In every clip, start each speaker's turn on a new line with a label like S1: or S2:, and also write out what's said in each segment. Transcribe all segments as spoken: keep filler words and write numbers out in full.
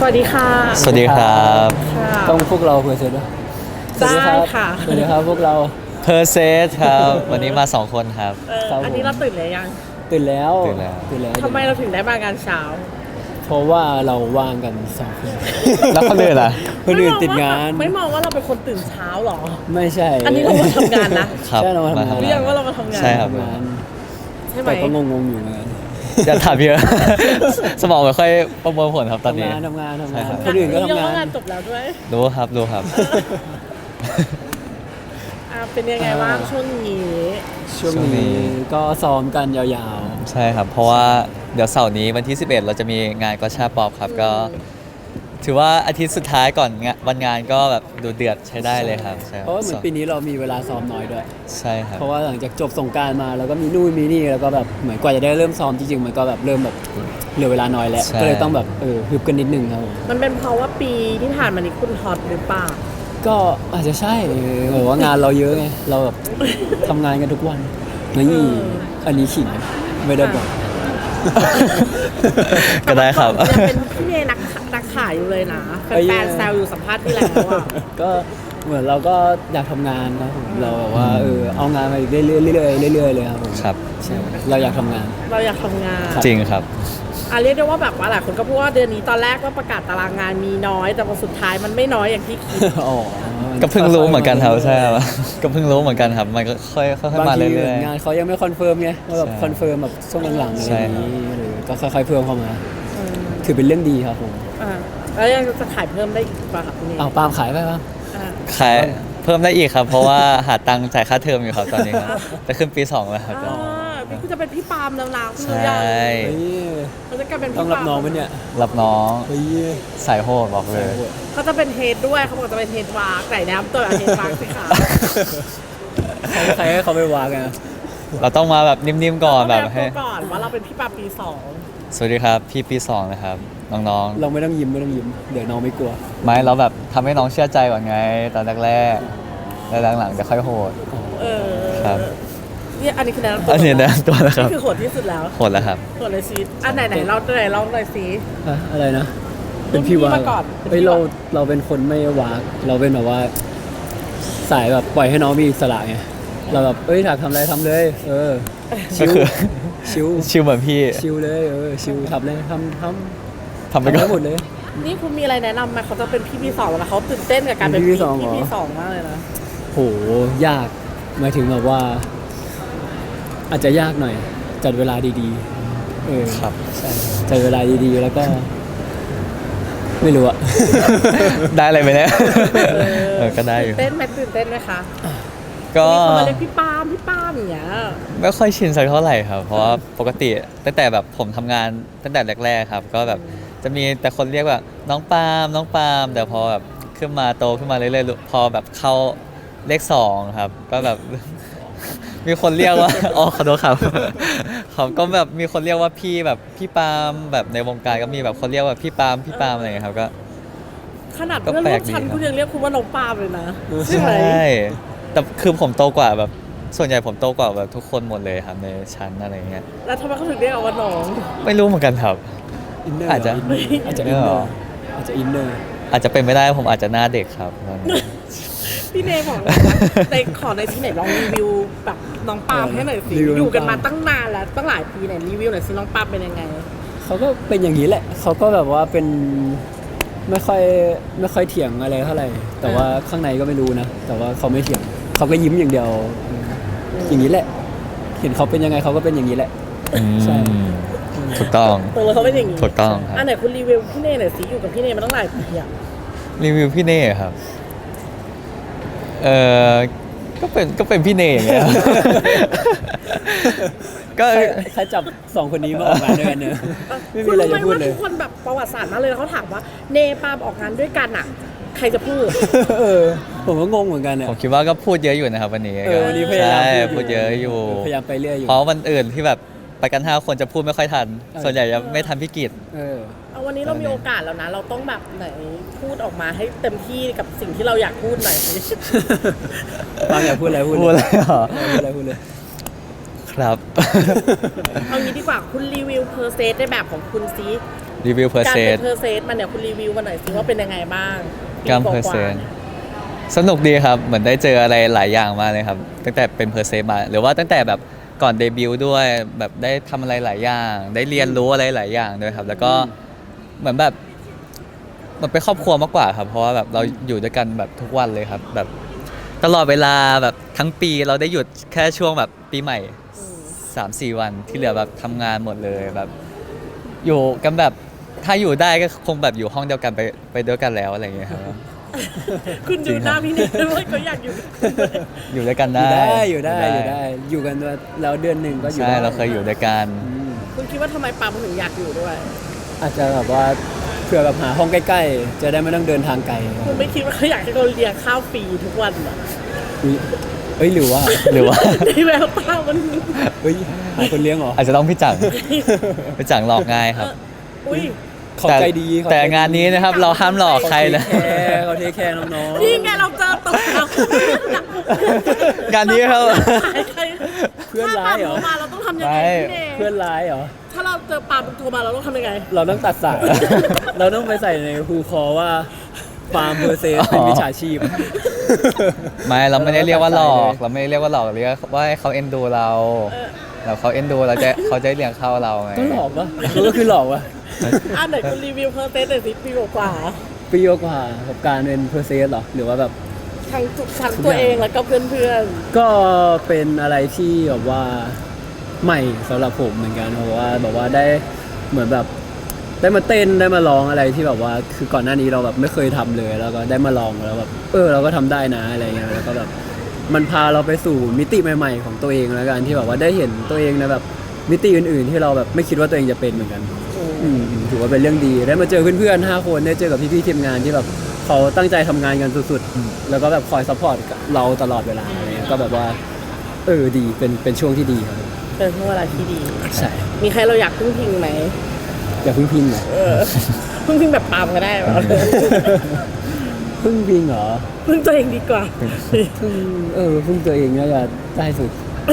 S1: วัสดีค่ะ
S2: สวัสดีครับ
S1: ค่ะ
S3: ต้องพวกเราเพอร์เซสด้วยสวัสดีครั
S1: ได้ค่ะ
S3: สวัสดีครับพวกเรา
S2: เพอร์เซสครับวันนี้มาสองคนครับ
S1: เออ
S3: ครับ
S1: อันนี้เราตื่นเลยยัง
S3: ตื่นแล้ว
S2: ตื่นแล้ว
S3: ตื่นแล้ว
S1: ทำไมเราถึงได้มางานเช้า
S3: เพราะว่าเราว่างกันสองคน
S2: แล้วคนอื่นล่ะ
S3: คนอื่นติดงาน
S1: ไม่มองว่าเราเป็นคนตื่นเช้าหรอ
S3: ไม่ใช่
S1: อันนี้เรามาทำงานนะ
S2: ครับ
S3: ใช่เรามาทำงาน
S1: เรียกว่าเรามาทำงาน
S2: ใช่ครับ
S3: ทำงาน
S1: ใช่ไหม
S3: แต่ก็งงๆอยู่เหมือนกัน
S2: จะถามเยอะ สมองไม่ค่อยประมวลผลครับตอน
S3: ทำ
S2: นี้
S3: งานทำงานทำ
S2: ใช่
S3: งาน
S2: ครับ
S3: คนอื่นก็ทำ
S1: เรีย
S3: งา
S1: ว่าน งานจบแล้วด้วย
S2: รู้ครับรู้ครับ
S1: อ่ะเป็นยังไงบ้างช่วงนี้
S3: ช่วง
S2: ช่วงนี้
S3: นี้ก็ซ้อมกันยาว
S2: ใช่ครับ เพราะว่าเดี๋ยวเสาร์นี้วันที่สิบเอ็ดเราจะมีงานกอชาป๊อปครับก็ ถือว่าอาทิตย์สุดท้ายก่อนงานวันงานก็แบบดูเดือดใช้ได้เลยครับใช่
S3: ๆ
S2: ค
S3: เพ
S2: บ
S3: ราะว่าเหมือนปีนี้เรามีเวลาซ้อมน้อยด้วย
S2: ใช่ครับ
S3: เพราะว่าหลังจากจบสงกรารมาแล้วก็มีนู่นมีนี่แล้วก็แบบเหมือนกว่าจะได้เริ่มซ้อมจริงๆมันก็แบบเริ่มแบบเหลือเวลาน้อยแล้ว
S2: ใช่
S3: ก็เลยต้องแบบเออฮึบกันนิดนึงครับผม
S1: มันเป็นเพราะว่าปีที่ผ่านมานี้คุณฮอตหรือเปล่า
S3: ก็อาจจะใช่เออว่างานเราเยอะไงเราแบบทำงานกันทุกวันนี่
S1: เออ
S3: อันนี้ขิงไม่ได้บอก
S2: ก็ได้ครับ
S1: ยังเป็นพี่เมย์นักนักขายอยู่เลยนะแฟนๆแซวอยู่สัมภาษณ์ที่แล้วอ่ะ
S3: ก็เหมือนเราก็อยากทำงานครับผมเราแบบว่าเออเอางานมาอีกเรื่อยๆเรื่อยๆเรื่อยๆเลยครับผม
S2: ครับ
S3: ใช่เราอยากทำงาน
S1: เราอยากทำงาน
S2: จริงครับ
S1: อ่ะเรียกได้ว่าแบบว่าหลายคนก็พูดว่าเดือนนี้ตอนแรกว่าประกาศตารางงานมีน้อย แต่พอสุดท้ายมันไม่น้อยอย่างที่คิด
S3: อ๋อ
S2: ก็เพิ่งรู้เหมือนกันครับใช่ครับก็เพิ่งรู้เหมือนกันครับมันก็ค่อยค่อยๆ
S3: บาง
S2: มา
S3: ที
S2: เรื่อย
S3: งานเขายังไม่คอนเฟิร์มไงว่าแบบ
S2: ใช่
S3: คอนเฟิร์มแบบช่วงหลังๆอะไร
S2: ใช่
S3: อย่าง
S2: ครับ
S3: นี้หรือก็ค่อยๆเพิ่มเข้ามา
S1: อืม
S3: ถือเป็นเรื่องดีครับผม
S1: อ่าแล้วยังจะขายเพิ่มได้อีกป่ะครับคุณนี่
S3: เอาปาล์มขายไปป่ะ
S1: อ่า
S2: ๆขายเพิ่มได้อีกครับ เพราะว่าหาตังค์จ่ายค่าเทอมอยู่ครับตอนนี้ครับจะขึ้นปีสองแล้วครับ
S1: อ่าพี่คุณจะเป็นพี่ปาล์มแล้วนะคุณ
S2: ใช
S1: รู้ยัง่
S3: เฮ้ย
S1: เขาจะกลายเป็นพี่
S3: ต้องรับ
S1: ปาล์ม
S3: น้องไหมเนี่ย
S2: รับน้อง
S3: เฮ้ย
S2: สายโหดบอกเลย
S1: เขาจะเป็นเฮดด้วยเขาบอกจะเป็นเฮดวากไก่น้ำตัวเฮดวากสิคะ
S3: ใครให้เขาไปวางกัน
S2: เราต้องมาแบบนิ่มๆก่อนแบบ
S1: ต้
S2: ให้
S1: งตัวก่อนว่าเราเป็นพี่ปาล์มปีสอง
S2: สวัสดีครับพี่ปีสองนะครับน้อง
S3: เราไม่ต้องยิ้มไม่ต้องยิ้มเดี๋ยวน้องไม่กลัว
S2: ๆไม่เราแบบทำให้น้องเชื่อใจก่อนไงตอนแรกๆแล้วหลังๆจะค่อยโหด
S1: เออ
S2: ครับ
S1: นี่อันนี้คือแนะนำตัว
S2: อันนี้นะตัวนะครับ
S1: นี่คือโหดที่สุดแล้ว
S2: โหดแล้วครับ
S1: โหดเลยซีอันไหนไหนเราไหนลองหน่อยซี
S3: อะอะไรนะ เป็นพี่วา
S1: รุ่นพี่มาก่อนเป็นพี่
S3: เฮ้ยเรา
S1: วาก
S3: เราเป็นคนไม่วากเราเป็นแบบว่า สายแบบปล่อยให้น้องมีอิสระไงเราแบบเอ้ยอยากทำอะไรทำเลย เออชิ
S2: ก็
S3: ว
S2: คือ
S3: ชิว
S2: ชิลเหมือนพี่
S3: ชิวเลยเออชิวทำเลยทำท
S2: ทำ
S3: ำ
S2: ไป
S3: ทำ
S2: ก่อ
S3: ได้
S2: น
S3: หมดเลย
S1: นี่คุณมีอะไรแนะนำไหมเขาจะเป็นพี่ปีสองแล้วเขาตื่นเต้นกับการเป็น
S3: เป็นพี่
S1: พี่
S3: ปีสองเหรอ
S1: พี่ปีสองมากเลยนะ
S3: โหยากหมายถึงแบบว่า อาจจะยากหน่อย จัดเวลาดีๆเออ
S2: ครับ
S3: ใช่จัดเวลาดีๆ แล้วก็ ไม่รู้อะ
S2: ได้อะไรไหมเนี่ยเออก็ได้อยู่
S1: ตื่นเต้นไหมตื่นเต้นไหมคะ
S2: ก็
S1: มีคนมาเรียกพี่ปาล์มพี่ปาล์มอย่างเงี้ย
S2: ไม่ค่อยชินสักเท่าไหร่ครับ เพราะว่าปกติตั้งแต่แบบผมทำงานตั้งแต่แรกๆครับ ก็แบบจะมีแต่คนเรียกว่าน้องปาล์มน้องปาล์มแต่พอแบบขึ้นมาโตขึ้นมาเรื่อยๆพอแบบเข้าเลขสองครับ ก็แบบ มีคนเรียกว่า อ๋อขอโทษครับ เขาก็แบบมีคนเรียกว่าพี่แบบพี่ปาล์มแบบในวงการก็มีแบบคนเรียกว่าพี่ปาล์มพี่ปาล์มอะไรอย่างเงี้ยครับก็
S1: ขนาด
S2: ก็
S1: เพื่อน
S2: แปล
S1: ร่ว
S2: ก
S1: ม
S2: ดี
S1: ชั้น
S2: ครับ
S1: คุณยังเรียกคุณว่าน้องปาล์มเลยนะ
S2: ใช
S1: ใช่ไหม่
S2: แต่คือผมโตกว่าแบบส่วนใหญ่ผมโตกว่าแบบทุกคนหมดเลยครับในชั้นอะไรเงี้ย
S1: แล้วทำไมเขาถึงเรียกเอาว่าน้อง
S2: ไม่รู้เหมือนกันครับ
S3: อินเนอร์
S2: อาจจะ
S3: อาจจะ
S2: เอ
S3: อิน
S2: อ
S3: เนอร์อาจจะอินเนอร์
S2: อาจจะเป็นไม่ได้ผมอาจจะหน้าเด็กครับตอนนี้
S1: พี่เนยบอกว่าในขอในที่ไหนลองรีวิวแบบน้องปาล์มให้หน่อยสิ
S3: รีวิวน้องปาล์ม
S1: อยู่กันมาตั้งนานแล้วตั้งหลายปีไหนรีวิวหน่อยสิน้องปาล์มเป็นยังไง
S3: เขาก็เป็นอย่างนี้แหละ เขาก็แบบว่าเป็นไม่ค่อยไม่ค่อยเถียงอะไรเท่าไหร่ แต่ว่าข้างในก็ไม่รู้นะ แต่ว่าเขาไม่เถียง เขาก็ยิ้มอย่างเดียว อย่างนี้แหละ เห็นเขาเป็นยังไงเขาก็เป็นอย่างนี้แหละ ใช่
S2: อืมถูกต้อง
S1: ตัวเราเขาเป็นอย่างนี้
S2: ถูกต้องครับ
S1: อันไหนคุณรีวิวพี่เนยหน่อยสิอยู่กับพี่เนยมาตั้งหลายปีอะ
S2: รีวิวพี่เน่ครับ เออก็เป็นก็เป็นพี่เน่อย่างเงี้ย ก็
S3: ใครใครจับสองคนนี้มาออกงานด้วยกันเนอะไม่มีอะไรจะพูดเลย
S1: คุณรู้ไหมว่าทุกคนแบบประวัติศาสตร์มากเลยเขาถามว่าเนปาล์มออกงานด้วยกันอะใครจะพูด
S3: เออ ผมก็งงเหมือนกันเนี่ย
S2: ผมคิดว่าก็พูดเยอะอยู่นะครับวันนี้
S3: เออวันนี้พยายาม
S2: ใช่
S3: พู
S2: พู
S3: ด
S2: ด
S3: อยู่
S2: เยอะอยู่
S3: พยายามไปเรื่อยอยู่
S2: เพราะวันอื่นที่แบบไปกันห้าคนจะพูดไม่ค่อยทัน
S3: เออ
S2: ส่วนใหญ่จะไม่ทันพี่กิจ
S3: เออ
S1: เอาวันนี้เรามีโอกาสแล้วนะ เราต้องแบบไหนพูดออกมาให้เต็มที่กับสิ่งที่เราอยากพูดหน่อยสิ
S3: บางอยากพูดอะไรพูด
S2: พูด
S3: เล
S2: เลย ยเหรอ
S3: พูดอะไรพูดเลย
S2: คครับ
S1: เอางี้ดีกว่าคุณรีวิวเพอร์เซสในแบบของคุณซิ
S2: รีวิวเพอร์
S1: การ
S2: เซ
S1: เป็
S2: ส
S1: นเพอร์เซสมันเนี่ยคุณรีวิวมาหน่อยสิว่าเป็นยังไงบ้างปี
S2: การ
S1: กว่าๆ
S2: เพอร์เซนสนุกดีครับ เหมือนได้เจออะไรหลายอย่างมากเลยครับ ตั้งแต่เป็นเพอร์เซนมา หรือว่าตั้งแต่แบบก่อนเดบิวต์ด้วยแบบได้ทำอะไรหลายอย่าง ได้เรียนรู้อะไรหลายอย่างด้วยครับ แล้วก็เหมือนแบบมันเป็นครอบครัวมากกว่าครับ เพราะว่าแบบเราอยู่ด้วยกันแบบทุกวันเลยครับ แบบตลอดเวลาแบบทั้งปีเราได้หยุดแค่ช่วงแบบปีใหม่
S1: อืม
S2: สามสี่วันที่เหลือแบบทำงานหมดเลยแบบ อยู่กันแบบถ้าอยู่ได้ก็คงแบบอยู่ห้องเดียวกันไปไปด้วยกันแล้วอะไรอย่างเงี้ยครับ
S1: คุณดูหน้าพี่เนยด้วยเขาอยากอยู่กับคุณด้วย
S2: อยู่ด้วยกัน
S3: อยู่
S2: ได้
S3: ได้อยู่ได้อยู่ได้ อยู่กันด้วยแล้วเดือนหนึ่งก็อยู่
S2: ใช่
S3: ได้
S2: เราเคยอยู่ด้วยกัน
S3: อืม
S1: คุณคิดว่าทำไมปาล์มถึงอยากอยู่ด้วย
S3: อาจจะแบบว่าเผื่อแบบหาห้องใกล้ๆ จะได้ไม่ต้องเดินทางไกล
S1: คุณไม่คิดว่าเขาอยากให้เราเลี้ยงข้าวฟรีทุกวันเหรอ
S3: อุ๊ยเอ้ยหรือว่า
S2: หรือว่า
S1: ในแววตามัน
S3: เฮ้ยหาคนเลี้ยงเหรอ
S2: อาจจะต้องพี่จัง พี่จังหลอกง่ายครับ
S1: อุ้ย
S3: เขาใจดีเข
S2: แต่
S3: ใจดี
S2: งานนี้นะครับเราห้ามหลอกใครนะ
S3: เขาเทคแคร์เขาเทคแคร์น้อง
S1: นี่ไงเราเจอตัวเรา
S2: งานนี้ครับ
S3: เพื่อนร้ายเหรอ
S1: ถ้ปล์มโทรมาเราต้องทำยังไง
S2: ไม่
S1: พี่เนย
S3: ๆเพื่อนร้ายเหรอ
S1: ถ้าเราเจอปาล์มโทรมาเราต้องทำยังไง
S3: เราต้องตัดสาย เราต้องไปใส่ในฮูคอว่าฟาร์มเพอร์เซสเป็นวิชาชีพ
S2: ไม่เราไม่ได้เรียกว่าหลอก เราไม่ได้เรียกว่าหลอกเรียกว่าให้เขาเอ็นดูเราแล้วเขาเอ็นดูเราจะเขาจะเลี้ยงข้าวเราไง
S3: ก็หลอกปะก็คือหลอกปะ
S1: อ่ะไหนคุณรีวิวเพอร์เซสหน่อยสิปีกว่า
S3: ปีกว่ากับการเป็นเพอร์เซสหรอ หรือว่าแบบ
S1: ๆทั้งทุกทั้งตัวเองแล้วก็เพื่อน
S3: ก็เป็นอะไรที่แบบว่าใหม่สำหรับผมเหมือนกันเพราะว่าแบบว่าได้เหมือนแบบได้มาเต้นได้มาร้องอะไรที่แบบว่าคือก่อนหน้านี้เราแบบไม่เคยทำเลยแล้วก็ได้มาลองแล้วแบบเออเราก็ทำได้นะอะไรเงี้ยแล้วก็แบบมันพาเราไปสู่มิติใหม่ ๆ ของตัวเองแล้วกันที่แบบว่าได้เห็นตัวเองในแบบมิติอื่น ๆ ที่เราแบบไม่คิดว่าตัวเองจะเป็นเหมือนกัน
S1: ๆ
S3: อืมถือว่าเป็นเรื่องดีได้มาเจอเพื่อนๆห้าคนได้เจอกับพี่ๆทีมงานที่แบบเขาตั้งใจทำงานกันสุดๆแล้วก็แบบคอยซัพพอร์ตเราตลอดเวลาอะไรเงี้ยก็แบบว่าเออดีเป็นเป็นช่วงที่ดีครับ
S1: เป็นช่วงเวลาที่ดี
S3: ใช่
S1: มีใครเราอยากพึ่งพิงไหม
S3: อย่าเพึ่งพิงเหรอ
S1: เออ พึ่งพิงแบบปาล์มก็ได้แบบ
S3: เพึ่งพิงเหรอ
S1: พึ่งตัวเองดีกว่า
S3: พึ่งเออพึ่งตัวเองน่าจะได้สุด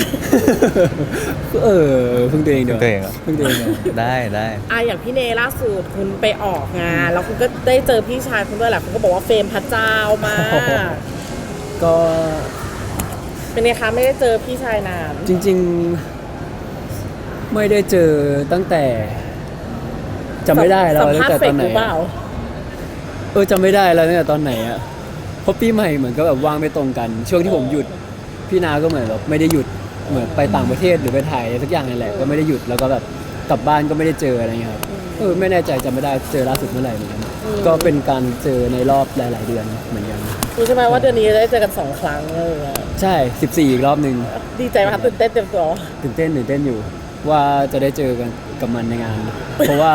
S3: เออพึ่งตัวเองเดี๋ยว
S2: พึ่งตัวเองเหรอ
S3: พึ่งตัวเองเดี๋ยว
S2: ได้ได้
S1: อ่ะอย่างพี่เนล่าสุดคุณไปออกงาน แล้วคุณก็ได้เจอพี่ชายคุณด้วยแหละคุณก็บอกว่าเฟรมพระเจ้ามาก
S3: ก็
S1: เป็นไงคะไม่ได้เจอพี่ชายนาน
S3: จริง ๆ ไม่ได้เจอตั้งแต่จำไม่ได้แล้ว
S1: สัม
S3: ตั้
S1: ภาง ษ
S3: แต่
S1: ณ์เฟ
S3: ต
S1: ก
S3: อนไหน
S1: หรือเป
S3: อะ
S1: ล่า
S3: เออจำไม่ได้แล้วตั้งแต่ตอนไหนอะเพราะปีใหม่เหมือนก็แบบว่างไม่ตรงกัน ช่วงที่ผมหยุดพี่นาก็เหมือนแบบไม่ได้หยุดเหมือนไปต่างประเทศหรือไปถ่ายสักอย่างนั่นแหละก็ไม่ได้หยุดแล้วก็แบบกลับบ้านก็ไม่ได้เจออะไรเงี้ยครับเออไม่แน่ใจจำไม่ได้เจอล่าสุดเมื่อไหร่เหมือนกันก็เป็นการเจอในรอบหลาย ๆ เดือนเหมือนกัน
S1: รู้ใช่ไหมว่าเดือนนี้จะได้เจอกันสองครั้งเลย
S3: ใช่สิบสี่อีกรอบหนึ่ง
S1: ดีใจไหมคะตื่นเต้นเต็มตัว
S3: ตื่นเต้นตื่นเต้นอยู่ ว่าจะได้เจอกันกับมันในงาน เพราะว่า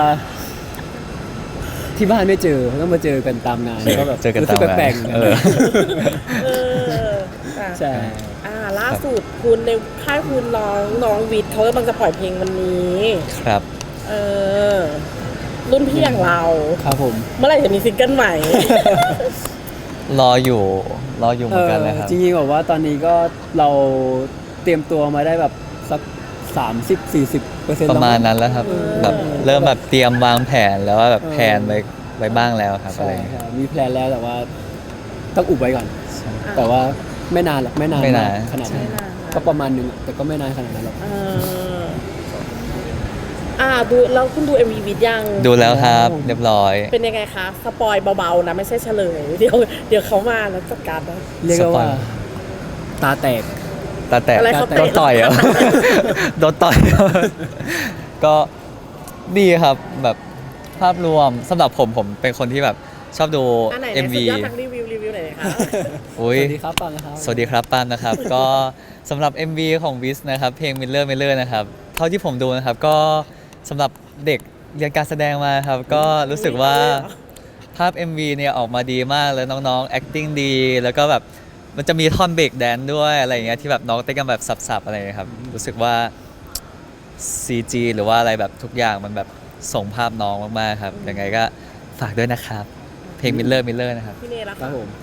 S3: ที่บ้านไม่เจอต้องมาเจอกันตามงานก็แบบ
S2: เจอกัน
S3: รู้
S2: ตา
S3: สึ
S2: ม
S3: ก
S2: งาน
S3: แปลกๆเหมือนกัน
S2: เออ
S1: เอออ่ะ
S3: ใช่
S1: อ่าล่าสุดคุณในค่ายคุณน้องน้องวิทย์เขากำลังจะปล่อยเพลงวันนี้
S2: ครับ
S1: เออ รุ่นพี่อย่างเรา
S3: ครับผม
S1: เมื่อไหร่จะมีซิงเกิลใหม่
S2: รออยู่รออยู่เหมือนกันเลยครับ
S3: จริงๆแบบว่าตอนนี้ก็เราเตรียมตัวมาได้แบบสักสามสิบสี่สิบเปอร์เซ็นต์
S2: ประมาณนั้นแล้วครับ
S1: เออ
S2: แบบเริ่มแบบเตรียมวางแผนแล้วว่าแบบแผนไว้ไว้บ้างแล้วครับอะไร
S3: ใช่
S2: อย่างเงี้ย
S3: ครับมีแพลนแล้วแต่ว่าต้องอุบไว้ก่อน แต่ว่าไม่นานหรอกไม่นาน
S2: ไม่นาน
S3: กขนาดนั้น
S1: ไม่นานนะ
S3: ก็ประมาณหนึงแต่ก็ไม่นานขนาดนั้นหรอก
S1: เอออ่าดูแล้วคุณดู เอ็ม วี วิดยัง
S2: ดูแล้วครับเรียบร้อย
S1: เป็นยังไงคะ สปอยเบาๆนะ ไม่ใช่เฉลย เดี๋ยวเดี๋ยวเขามาแล้วจัดการนะ
S3: เรียกได้ว่า
S2: สปอย
S3: ตาแตก
S2: ตาแตก
S1: อะไรเขาเตะ
S2: โดนต่อยเหรอ โดนต่อย ก็ดีครับแบบภาพรวมสำหรับผมผมเป็นคนที่แบบชอบดู
S1: อันไหน
S2: เอ็ม
S1: สุด
S2: วี
S1: ยอดทางรีวิวรีวิวไหนอยคะ
S2: อุ้ย
S3: สวัสดีครับปังนะครับ
S2: สวัสดีครับปาล์มนะครับ ก็สำหรับ เอ็ม วี ของวิสนะครับ เพลง Miller Miller นะครับ เท่าที่ผมดูนะครับ ก็สำหรับเด็กเรียนการแสดงมาครับ ก็รู้สึกว่าภาพ เอ็ม วี เนี่ยออกมาดีมากแล้วน้องๆ acting ดี แล้วก็แบบมันจะมีท่อนเบรกแดนด้วยอะไรอย่างเงี้ยที่แบบน้องเต้นกันแบบสับๆอะไรอย่างเงี้ยครับ รู้สึกว่า ซี จี หรือว่าอะไรแบบทุกอย่างมันแบบส่งภาพน้องมากๆครับยังไงก็ฝากด้วยนะครับ เพลง Miller Miller นะครับ
S1: พี่เนยละ
S3: ครับผม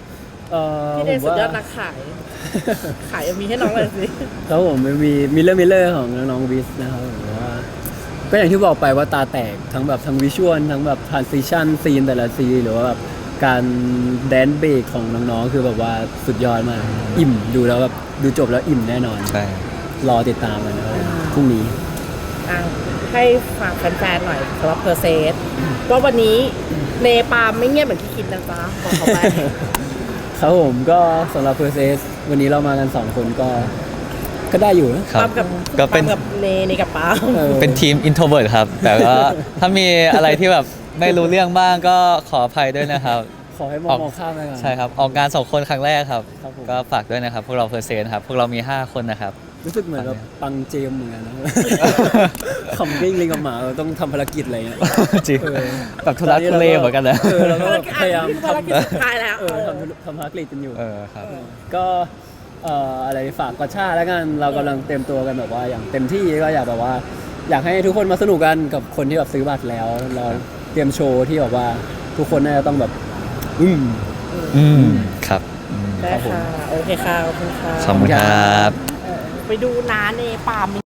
S3: เอ่อ
S1: พี่
S3: ผ
S1: เด
S3: ม
S1: สุด
S3: ว่าย
S1: อดนักขาย ขายมีให้น้องเลยสิ
S3: แล้วผมมีมิลเลอร์มิลเลอร์ของน้องวิสนะครับผมว่าก็อย่างที่บอกไปว่าตาแตกทั้งแบบทั้งวิชวลทั้งแบบทรานซิชันซีนแต่ละซีนหรือว่าแบบการแดนเบรกของน้องๆคือแบบว่าสุดยอดมากอิ่มดูแล้วแบบดูจบแล้วอิ่มแน่นอน
S2: ใช่
S3: รอติดตามกันนะครับพรุ่งนี้
S1: อ่ะให้ฝากแฟนๆหน่อยสำหรับเพอร์เซสว่าวันนี้เนปาล์มไม่เงียบเหมือนที่คิดนะจ๊ะบอกเขาไป
S3: ครับผมก็สำหรับเพอร์เซสวันนี้เรามากันสองคนก็ก็ได้อยู่นะ
S2: ครั
S1: ปา
S2: บ
S1: ล์มกับ
S2: ก็เป็น
S1: ปาล์มกับเนเนกับปาล์ม
S3: ออ
S2: เป็นทีม introvert ครับ แต่ก็ถ้ามีอะไรที่แบบไม่รู้เรื่องบ้างก็ขออภัยด้วยนะครับ
S3: ขอให้มอง
S2: ออก
S3: มองข้ามไปก่อน
S2: ใช่ครับ ออกงานสองคนครั้งแรกครับ
S3: ครับผม
S2: ก็ฝากด้วยนะครับ พวกเราเพอร์เซนครับ พวกเรามีห้าคนนะครับ
S3: รู้สึกเหมือนแบบปังเจมเหมือนกันนะ คำวิ่งลิงกับหมาเราต้องทำภารกิจอะไรเงี้ย
S2: จริง
S3: เออ
S2: แบบทุลักทุเลเหมือนกันนะ
S3: เออเราก็แบบพยายาม
S1: ภาร
S3: ทำ
S1: กิจสุดท้ายแล้ว
S3: เออทำทำภารกิจกันอยู่
S2: เออครับ
S3: ก็เอ่ออะไรฝากกระชาแล้วกันเรากำลังเตรียมตัวกันแบบว่าอย่างเต็มที่ก็อยากแบบว่า อยากให้ทุกคนมาสนุกกันกับคนที่แบบซื้อบัตรแล้ว เราเตรียมโชว์ที่แบบว่าทุกคนน่าจะต้องแบบ อืม
S2: อืมครับอืม
S1: ได้ค่ะ โอเคค่ะ ขอบคุณค่ะ
S2: ขอบคุณครับ
S1: ไปดูน้าเนปาล์ม